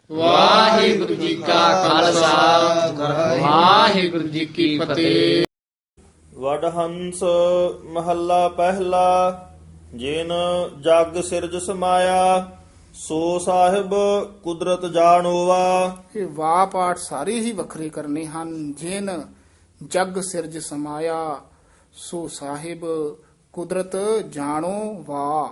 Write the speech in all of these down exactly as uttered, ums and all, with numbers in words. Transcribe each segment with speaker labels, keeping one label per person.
Speaker 1: ਵਾਹਿਗੁਰੂ ਜੀ ਕਾ ਖਾਲਸਾ ਵਾਹਿਗੁਰੂ ਜੀ ਕੀ ਫਤਿਹ।
Speaker 2: ਵਡਹੰਸ ਮਹੱਲਾ ਪਹਿਲਾ। ਜਿਨ ਜਗ ਸਿਰਜ ਸਮਾਇਆ ਸੋ ਸਾਹਿਬ ਕੁਦਰਤ ਜਾਣੋਵਾ।
Speaker 3: ਇਹ ਵਾ ਪਾਠ ਸਾਰੇ ਹੀ ਵੱਖਰੇ ਕਰਨੇ ਹਨ। ਜਿਨ ਜਗ ਸਿਰਜ ਸਮਾਇਆ ਸੋ ਸਾਹਿਬ ਕੁਦਰਤ ਜਾਣੋ ਵਾ,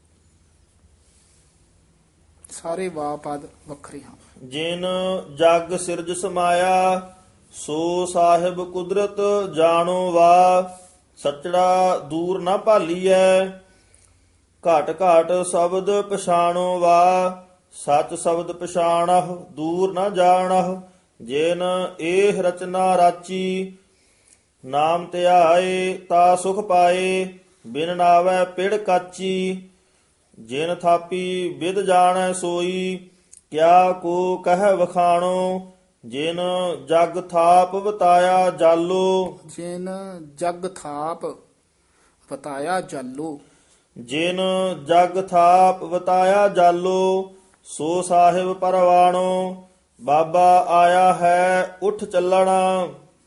Speaker 3: ਸਾਰੇ ਵਾ ਪਦ ਵੱਖਰੇ ਹਨ।
Speaker 2: ਜਿਨ ਜਗ ਸਿਰਜ ਸਮਾਇਆ ਸੋ ਸਾਹਿਬ ਕੁਦਰਤ ਜਾਣੋ ਵਾ। ਸੱਚੜਾ ਦੂਰ ਨਾ ਭਾਲੀਐ ਘਾਟ ਘਾਟ ਸ਼ਬਦ ਪਛਾਣੋ ਵਾ। ਸੱਚ ਸ਼ਬਦ ਪਛਾਣਹੁ ਦੂਰ ਨਾ ਜਾਣਹੁ। ਜਿਨ ਇਹ ਰਚਨਾ ਰਾਚੀ ਨਾਮ ਧਿਆਏ ਤਾ ਸੁਖ ਪਾਏ। ਬਿਨ ਨਾਵੈ ਪਿੜ ਕਾਚੀ ਜਿਨ ਥਾਪੀ ਵਿਦ ਜਾਣੈ ਸੋਈ। ਕਿਆ ਕੋ ਕਹਿ ਵਖਾਣੋ ਜਿਨ ਜਗ ਥਾਪ ਬਤਾਇਆ ਜਾਲੋ।
Speaker 3: ਜਿਨ ਜਗ ਥਾਪ ਬਤਾਇਆ ਜਾਲੋ।
Speaker 2: ਜਿਨ ਜਗ ਥਾਪ ਬਤਾਇਆ ਜਾਲੋ ਸੋ ਸਾਹਿਬ ਪਰਵਾਣੋ। ਬਾਬਾ ਆਇਆ ਹੈ ਉਠ ਚੱਲਣਾ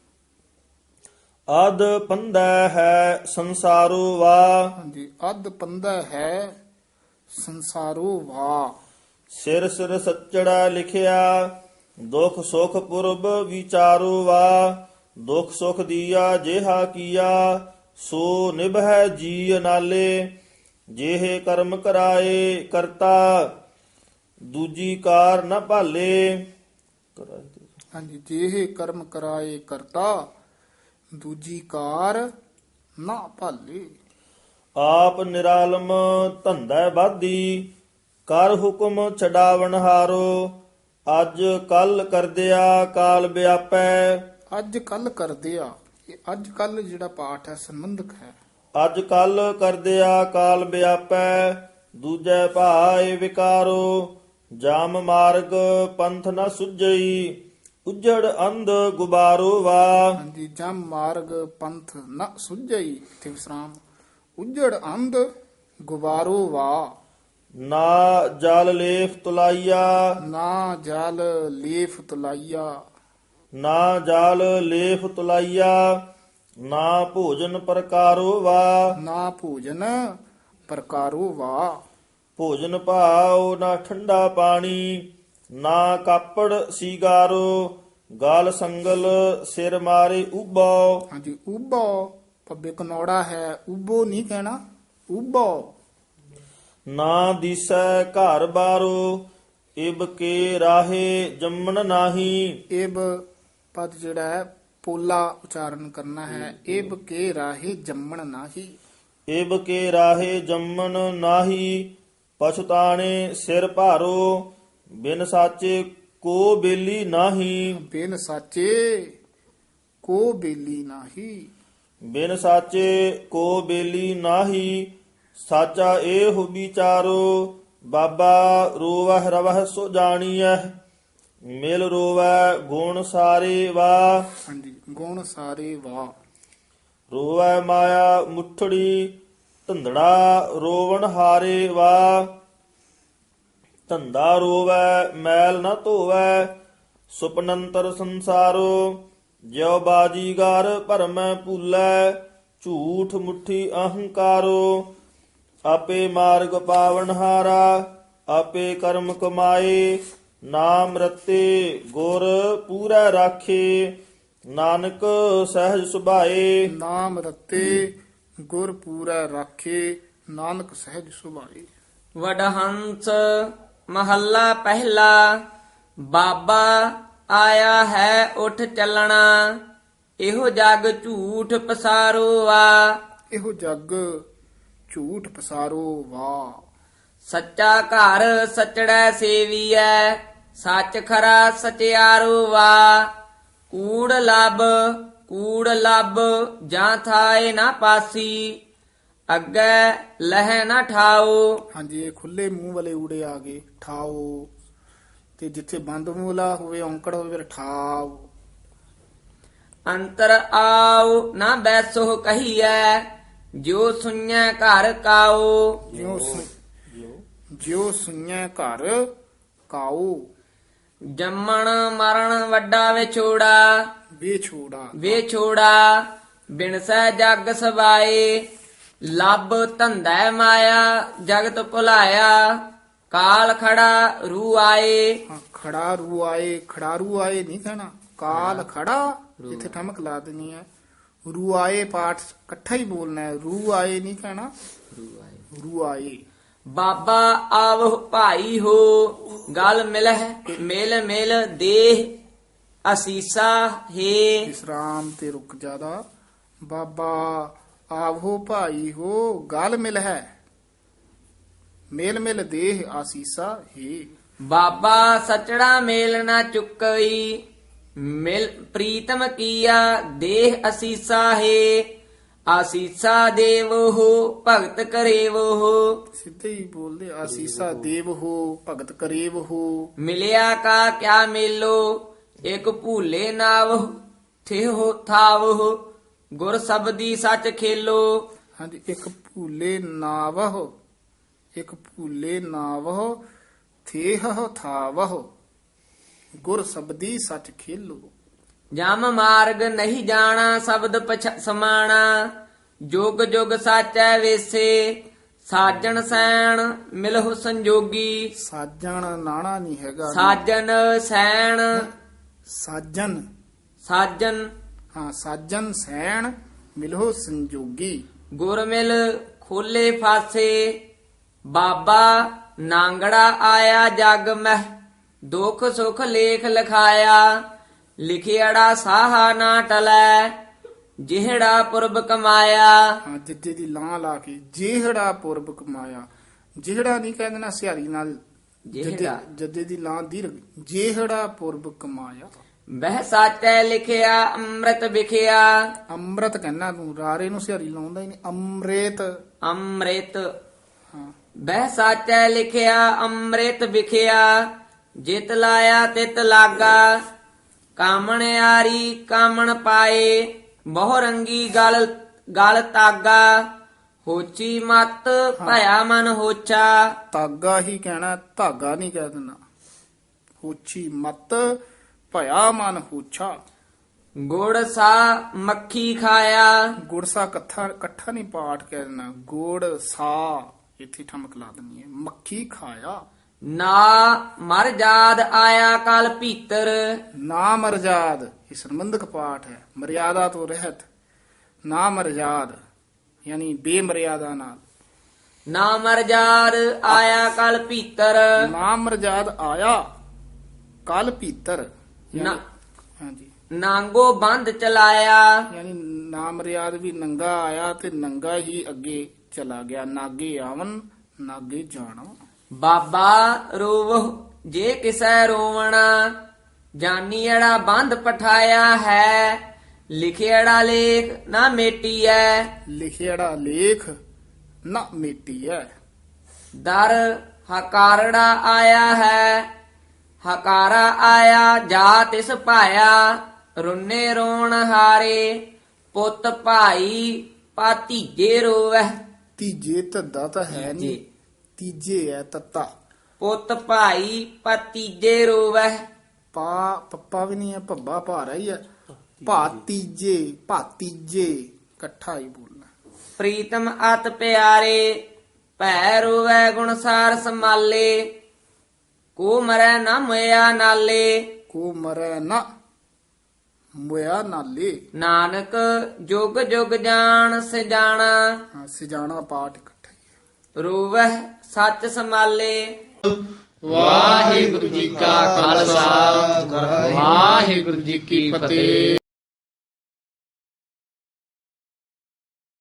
Speaker 2: ਅਦ ਪੰਦੈ ਹੈ ਸੰਸਾਰੋ ਵਾ।
Speaker 3: ਹਾਂਜੀ, ਅਦ ਪੰਦਾ ਹੈ ਸੰਸਾਰੋ ਵਾ।
Speaker 2: ਸਿਰ ਸਿਰ ਸੱਚੜਾ ਲਿਖਿਆ ਦੁਖ ਸੁਖ ਪੁਰਬ ਵਿਚਾਰੋ ਵਾ। ਦੁਖ ਸੁਖ ਦੀਆ ਜਿਹਾ ਕੀਆ ਸੋ ਨਿਭੈ ਜੀ ਨਾਲੇ। ਜਿਹੇ ਕਰਮ ਕਰਾਏ ਕਰਤਾ ਦੂਜੀ ਕਾਰ ਨ ਭਾਲੇ।
Speaker 3: ਹਾਂਜੀ, ਜਿਹੇ ਕਰਮ ਕਰਾਏ ਕਰਤਾ ਦੂਜੀ ਕਾਰ ਨਾ ਭਾਲੇ।
Speaker 2: ਆਪ ਨਿਰਾਲਮ ਧੰਦਾ ਬਾਧੀ ਕਰ ਹੁਕਮ ਛਡਾਵਣ ਹਾਰੋ। ਅੱਜ ਕੱਲ ਕਰਦਿਆ ਕਾਲ ਵਿਆਪੈ।
Speaker 3: ਅੱਜ ਕੱਲ ਕਰਦੇ ਆ, ਇਹ ਅੱਜ ਕੱਲ ਜਿਹੜਾ ਪਾਠ ਹੈ ਸੰਬੰਧਕ ਹੈ।
Speaker 2: ਅੱਜ ਕੱਲ ਕਰਦਿਆ ਕਾਲ ਵਿਆਪੈ। ਦੂਜੈ ਭਾਏ ਵਿਕਾਰੋ ਜਾਮ ਮਾਰਗ ਪੰਥ ਨ ਸੁਝਈ। ਉਜੜ ਅੰਧ ਗੁਬਾਰੋ ਵਾ।
Speaker 3: ਹਾਂਜੀ, ਜਮ ਮਾਰਗ ਪੰਥ ਨ ਸੁਝਈ, ਇੱਥੇ ਵਿਸਰਾਮ। ਉਜੜ ਅੰਧ ਗੁਬਾਰੋ ਵਾ।
Speaker 2: ਨਾ ਜਲ ਲੇਫ ਤੁਲਾਈਆ
Speaker 3: ਨਾ ਜਲ ਲੇਫ ਤੁਲਾਈਆ।
Speaker 2: ਨਾ ਜਲ ਲੇਫ ਤੁਲਾਈਆ। ਨਾ ਭੋਜਨ ਪ੍ਰਕਾਰੋ ਵਾ।
Speaker 3: ਨਾ ਭੋਜਨ ਪ੍ਰਕਾਰੋ ਵਾ।
Speaker 2: ਭੋਜਨ ਭਾਉ ਨਾ ਠੰਡਾ ਪਾਣੀ। ਨਾ ਕਾਪੜ ਸੀਗਾਰੋ। ਗਾਲ ਸੰਗਲ ਸਿਰ ਮਾਰੇ ਉਬੋ।
Speaker 3: ਹਾਂਜੀ, ਉਬੋ ਪੱਬੇ ਕਨੌੜਾ ਹੈ, ਉਬੋ ਨਹੀਂ ਕਹਿਣਾ, ਉਬੋ।
Speaker 2: ਨਾ ਦਿਸੈ ਘਰ ਬਾਰੋ ਇਬ ਕੇ ਰਾਹੇ ਜੰਮਣ ਨਾਹੀ।
Speaker 3: ਇਬ ਪਦ ਜਿਹੜਾ ਹੈ ਪੋਲਾ ਉਚਾਰਨ ਕਰਨਾ ਹੈ। ਇਬ ਕੇ ਰਾਹੇ ਜੰਮਣ ਨਾਹੀ।
Speaker 2: ਇਬ ਕੇ ਰਾਹੇ ਜੰਮਣ ਨਾਹੀ। ਪਛਤਾਣੇ ਸਿਰ ਭਾਰੋ ਬਿਨ ਸਾਚੇ ਕੋ ਬੇਲੀ ਨਾਹੀ।
Speaker 3: ਬਿਨ ਸਾਚੇ ਕੋ ਬੇਲੀ ਨਾਹੀ।
Speaker 2: ਬਿਨ ਸਾਚੇ ਕੋ ਬੇਲੀ ਨਾਹੀ। ਸਾਚਾ ਏਹੁ ਵਿਚਾਰੋ ਬਾਬਾ ਰੋਵਹਿ ਰਵਹਿ ਸੋ ਜਾਣੀਐ। ਮਿਲ ਰੋਵੈ ਗੁਣ ਸਾਰੇ ਵਾ।
Speaker 3: ਹਾਂਜੀ, ਗੁਣ ਸਾਰੇ ਵਾ।
Speaker 2: ਰੋਵੈ ਮਾਇਆ ਮੁਠੜੀ ਧੰਦੜਾ ਰੋਵਣ ਹਾਰੇ ਵਾ। ਧੰਦਾ ਰੋਵੈ ਮੈਲ ਨ ਧੋਵੈ ਸੁਪਨੰਤਰ ਸੰਸਾਰੋ। ਜਿਉ ਬਾਜੀਗਰ ਭਰਮੈ ਭੂਲੈ ਝੂਠ ਮੁੱਠੀ ਅਹੰਕਾਰੋ। ਆਪੇ ਮਾਰਗ ਪਾਵਨ ਹਾਰਾ ਆਪੇ ਕਰਮ ਕਮਾਏ। ਨਾਮ ਰਤੇ ਗੁਰ ਪੂਰਾ ਰਾਖੇ ਨਾਨਕ ਸਹਿਜ ਸੁਭਾਏ।
Speaker 3: ਨਾਮ ਰਤੇ ਗੁਰ ਪੂਰਾ ਰਾਖੇ ਨਾਨਕ ਸਹਿਜ ਸੁਭਾਏ।
Speaker 1: ਵਡਹੰਸ ਮਹੱਲਾ ਪਹਿਲਾ। ਬਾਬਾ ਆਇਆ ਹੈ ਉਠ ਚੱਲਣਾ ਇਹੋ ਜਗ ਝੂਠ ਪਸਾਰੋ ਆ।
Speaker 3: ਇਹੋ ਜਗ ਝੂਠ ਪਸਾਰੋ ਵਾ।
Speaker 1: ਸੱਚਾ ਘਰ ਸਚੜੈ ਸੇਵੀਐ ਸੱਚ ਖਰਾ ਸਚਿਆਰੋ ਵਾ। ਕੂੜ ਲੱਭ ਕੂੜ ਲੱਭ ਜਾਂ ਥਾਏ ਨਾ ਪਾਸੀ ਅੱਗੇ ਲਹਿ ਨਾ ਠਾਓ।
Speaker 3: ਹਾਂਜੀ, ਇਹ ਖੁੱਲੇ ਮੂੰਹ ਵਾਲੇ ਊੜੇ ਆ ਗਏ, ਠਾਓ। ਤੇ ਜਿੱਥੇ ਬੰਦ ਮੂਲਾ ਹੋਵੇ ਔਂਕੜ ਹੋਵੇ ਫਿਰ ਠਾਓ।
Speaker 1: ਅੰਤਰ ਆਓ ਨਾ ਬੈਸੋ ਕਹੀਐ ਜੋ ਸੁਣੈ ਘਰ ਕਾਓ।
Speaker 3: ਜਿਉ ਸੁ- ਜਿਉ ਸੁਣੈ ਘਰ ਕਾਉ।
Speaker 1: ਜੰਮਣ ਮਰਨ ਵੱਡਾ ਵਿਛੋੜਾ
Speaker 3: ਵਿਛੋੜਾ
Speaker 1: ਵਿਛੋੜਾ ਬਿਨਸੈ ਜਗ ਸਬਾਏ ਲੱਭ ਧੰਦਾ ਮਾਇਆ ਜਗਤ ਭੁਲਾਇਆ ਕਾਲ ਖੜਾ ਰੂ ਆਏ
Speaker 3: ਹਾਂ, ਖੜਾ ਰੂ ਆਏ ਖੜਾਰੂ ਆਏ ਨਹੀਂ ਕਹਿਣਾ ਕਾਲ ਖੜਾ ਇੱਥੇ ਠਮਕ ਲਾ ਦੇਣੀ ਹੈ ਰੂ ਆਏ ਪਾਠ ਇਕੱਠਾ ਹੀ ਬੋਲਣਾ ਹੈ ਰੂ ਆਏ ਨਹੀਂ ਕਹਿਣਾ ਰੂ ਆਏ
Speaker 1: ਬਾਬਾ ਆਵਹੁ ਭਾਈ ਹੋ ਗਲ ਮਿਲਹਿ ਮਿਲ ਮਿਲ ਦੇਹ ਅਸੀਸਾ ਹੈ
Speaker 3: ਵਿਸਰਾਮ ਤੇ ਰੁਕ ਜਾਦਾ ਬਾਬਾ ਆਵੋ ਭਾਈ ਹੋ ਗਲ ਮਿਲ ਹੈ ਮੇਲ ਮਿਲ ਦੇਹ ਆਸੀਸਾ ਹੈ
Speaker 1: ਬਾਬਾ ਸਚੜਾ ਮੇਲ ਨਾ ਚੁੱਕਈ ਮਿਲ ਪ੍ਰੀਤਮ ਕੀਆ ਦੇਹ ਅਸੀਸਾ ਹੈ ਆਸੀਸਾ ਦੇਵੋ ਹੋ ਭਗਤ ਕਰੇਵੋ ਹੋ
Speaker 3: ਸਿੱਧੇ ਹੀ ਬੋਲਦੇ ਆਸੀਸਾ ਦੇਵ ਹੋ ਭਗਤ ਕਰੇਵ ਹੋ
Speaker 1: ਮਿਲਿਆ ਕਾ ਕਿਆ ਮੇਲੋ ਇਕ ਭੂਲੇ ਨਾਵ ਥਿਓ ਥਾਵ ਗੁਰ ਸਬਦੀ ਸੱਚ ਖੇਲੋ
Speaker 3: ਹਾਂਜੀ ਇੱਕ ਭੂਲੇ ਨਾਵਹ ਇੱਕ ਭੂਲੇ ਨਾਵਹ ਥੇਹ ਥਾਵਹ ਗੁਰ ਸਬਦੀ ਸੱਚ ਖੇਲੋ
Speaker 1: ਜਮ ਮਾਰਗ ਨਹੀਂ ਜਾਣਾ ਸ਼ਬਦ ਪਛ ਸਮਾਣਾ ਜੁਗ ਜੁਗ ਸਾਚੈ ਵੇਸੇ ਸਾਜਣ ਸੈਣ ਮਿਲਹੁ ਸੰਜੋਗੀ
Speaker 3: ਸਾਜਣ ਨਾਣਾ ਨਹੀਂ ਹੈਗਾ
Speaker 1: ਸਾਜਨ ਸੈਣ
Speaker 3: ਸਾਜਨ
Speaker 1: ਸਾਜਨ
Speaker 3: ਹਾਂ ਸਾਜਨ ਸੈਣ ਮਿਲੋ ਸੰਜੋਗੀ
Speaker 1: ਗੁਰ ਮਿਲ ਖੋਲੇ ਫਾਸੇ ਬਾਬਾ ਨਾਂਗੜਾ ਆਇਆ ਜਗ ਮਹਿ ਦੁਖ ਸੁਖ ਲੇਖ ਲਿਖਾਇਆ ਲਿਖਿਆੜਾ ਸਾਹਾ ਨਾ ਟਲੈ ਜਿਹੜਾ ਪੁਰਬ ਕਮਾਇਆ
Speaker 3: ਹਾਂ ਜਿੱਦੇ ਦੀ ਲਾਂ ਲਾ ਕੇ ਜਿਹੜਾ ਪੁਰਬ ਕਮਾਇਆ ਜਿਹੜਾ ਨਹੀਂ ਕਹਿ ਦੇਣਾ ਸਿਹਾਰੀ ਨਾਲ
Speaker 1: ਜਿਹੜਾ
Speaker 3: ਜੱਦੇ ਦੀ ਲਾਂ ਦੀਰਘ ਜਿਹੜਾ ਪੁਰਬ ਕਮਾਇਆ
Speaker 1: ਬਹਿ ਸਾਚੈ ਲਿਖਿਆ ਅੰਮ੍ਰਿਤ ਵਿਖਿਆ
Speaker 3: ਅੰਮ੍ਰਿਤ ਕਹਿਣਾ ਤੂੰ ਰਾਰੇ ਨੂੰ ਸਿਹਾਰੀ ਲਾਉਂਦਾ ਹੀ ਨਹੀਂ ਅੰਮ੍ਰਿਤ
Speaker 1: ਅੰਮ੍ਰਿਤ
Speaker 3: ਹਾਂ
Speaker 1: ਬਹਿ ਸਾਚੈ ਲਿਖਿਆ ਅੰਮ੍ਰਿਤ ਵਿਖਿਆ ਜਿਤ ਲਾਇਆ ਤਿਤ ਲਾਗਾ ਕਾਮਣਿਆਰੀ ਕਾਮਣ ਪਾਏ ਬਹੁ ਰੰਗੀ ਗਲ ਗਲ ਤਾਗਾ ਹੋਚੀ ਮਤ ਭਇਆ ਮਨ ਹੋਚਾ
Speaker 3: ਤਾਗਾ ਹੀ ਕਹਿਣਾ ਧਾਗਾ ਨਹੀਂ ਕਹਿ ਦੇਣਾ ਹੋਛੀ ਮਤ ਭਇਆ ਮਨ ਹੋਛਾ
Speaker 1: ਗੁੜ ਸਾ ਮੱਖੀ ਖਾਇਆ
Speaker 3: ਗੁੜਸਾ ਇਕੱਠਾ ਇਕੱਠਾ ਨਹੀਂ ਪਾਠ ਕਹਿ ਦੇਣਾ ਗੁੜ ਸਾ ਇੱਥੇ ਠਮਕ ਲਾ ਦੇਣੀ ਹੈ ਮੱਖੀ ਖਾਇਆ
Speaker 1: ਨਾ ਮਰ ਜਾਦ ਆਇਆ ਕਲ ਭੀਤਰ
Speaker 3: ਨਾ ਮਰਜਾਦ ਇਹ ਸੰਬੰਧਕ ਪਾਠ ਹੈ ਮਰਿਆਦਾ ਤੋਂ ਰਹਿਤ ਨਾ ਮਰਜਾਦ ਯਾਨੀ ਬੇਮਰਿਆਦਾ ਨਾਲ
Speaker 1: ਨਾ ਮਰ ਜਾਦ ਆਇਆ ਕਲ ਭੀਤਰ
Speaker 3: ਨਾ ਮਰਜਾਦ ਆਇਆ ਕਲ ਭੀਤਰ
Speaker 1: ਨਾ
Speaker 3: ਯਾਨੀ- ਹਾਂਜੀ
Speaker 1: ਨਾਂਗੋ ਬੰਦ ਚਲਾਇਆ
Speaker 3: ਯਾਨੀ ਨਾ ਮਰਿਆਦ ਵੀ ਨੰਗਾ ਆਇਆ ਤੇ ਨੰਗਾ ਹੀ ਅੱਗੇ ਚਲਾ ਗਿਆ ਨਾਗੇ ਆਵਨ ਨਾਗੇ ਜਾਣਾ
Speaker 1: ਬਾਬਾ ਰੋਵ ਜੇ ਕਿਸੈ ਰੋਵਣਾ ਜਾਨੀੜਾ ਬੰਦ ਪਠਾਇਆ ਹੈ ਲਿਖਿਆੜਾ ਲੇਖ ਨਾ ਮੇਟੀਐ
Speaker 3: ਲਿਖਿਆੜਾ ਲੇਖ ਨਾ ਮੇਟੀ ਹੈ
Speaker 1: ਦਰ ਹਕਾਰੜਾ ਆਇਆ ਹੈ ਹਕਾਰਾ ਆਇਆ ਜਾ ਤਿਸ ਭਾਇਆ ਰੁੰਨੇ ਰੋਣ ਹਾਰੇ ਪੁੱਤ ਭਾਈ ਪਾਤੀਜੇ ਰੋਵੈ
Speaker 3: ਤੀਜੇ ਧੱਦਾ ਤਾਂ ਹੈ ਨਹੀਂ ਤੀਜੇ ਹੈ ਤੱਤਾ
Speaker 1: ਪੁੱਤ ਭਾਈ ਪਾਤੀਜੇ ਰੋਵੈ
Speaker 3: ਪਾ ਪੱਪਾ ਵੀ ਨਹੀਂ ਹੈ ਭੱਬਾ ਭਾਰਾ ਹੀ ਹੈ ਭਾਤੀਜੇ ਭਾਤੀਜੇ ਇਕੱਠਾ ਹੀ ਬੋਲਣਾ
Speaker 1: ਪ੍ਰੀਤਮ ਅਤ ਪਿਆਰੇ ਭੈ ਰੋਵੈ ਗੁਣਸਾਰ ਸਮਾਲੇ ਕੋ ਮਰੈ ਨਾ ਮੋਇਆ ਨਾਲੇ
Speaker 3: ਕੋ ਮਰੈ ਨਾ ਮੁਆ ਨਾਲੇ
Speaker 1: ਨਾਨਕ ਜੁਗ ਜੁਗ ਜਾਣ ਸਿਜਾਣਾ
Speaker 3: ਹਾਂ ਸਿਜਾਣਾ ਪਾਠ ਇਕੱਠਾ ਹੀ ਹੈ
Speaker 1: ਰੋਵਹਿ ਸੱਚ ਸਮਾਲੇ
Speaker 3: ਵਾਹਿਗੁਰੂ ਜੀ ਕਾ ਖਾਲਸਾ ਵਾਹਿਗੁਰੂ ਜੀ ਕੀ ਫਤਿਹ।